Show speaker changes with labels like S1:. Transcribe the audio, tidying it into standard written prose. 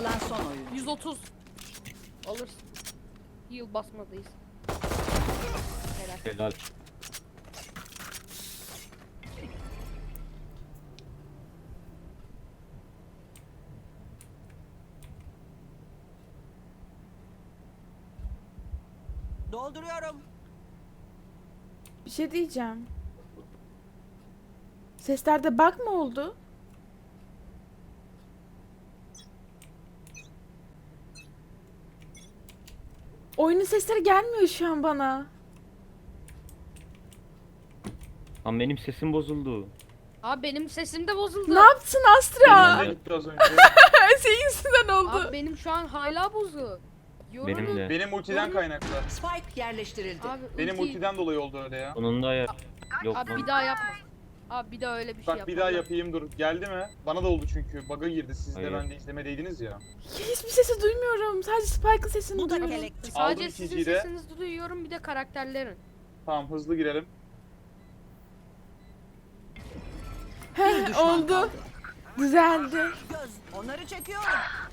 S1: kalan son oyun.
S2: 130. Alırsın. Heal basmadayız. Helal.
S3: Helal.
S1: Dolduruyorum.
S4: Bir şey diyeceğim. Seslerde bug mı oldu? Oyunun sesleri gelmiyor şu an bana.
S3: Lan benim sesim bozuldu.
S2: Abi benim sesim de bozuldu.
S4: Ne yaptın Astra?
S5: Benim de gitti az önce.
S4: Senin yüzünden oldu.
S2: Abi benim şu an hala bozuk.
S3: Benim de.
S5: Benim ultiden kaynaklı.
S1: Spike yerleştirildi.
S2: Abi,
S5: Benim
S2: ulti-
S5: ultiden dolayı oldu öyle ya.
S3: Sonunda ya. Yok
S2: Abi
S3: lan.
S2: bir daha yapma. Abi bir daha öyle bir şey
S5: Bak
S2: yapma.
S5: bir daha yapayım dur. Geldi mi? Bana da oldu çünkü. Bug'a girdi. Siz de
S3: Hayır.
S5: ben de izlemedeydiniz ya.
S4: Hiçbir sesi duymuyorum. Sadece Spike'ın sesini
S1: Bu da
S4: duyuyorum.
S1: kelek.
S5: Aldım
S2: Sadece sizin
S5: ikinciyi de.
S2: sesinizi duyuyorum bir de karakterlerin.
S5: Tamam hızlı girelim.
S1: Bir
S4: Heh,
S1: düşman
S4: oldu.
S1: kaldı.
S4: Düzeldi.
S1: Göz. Onları çekiyorum.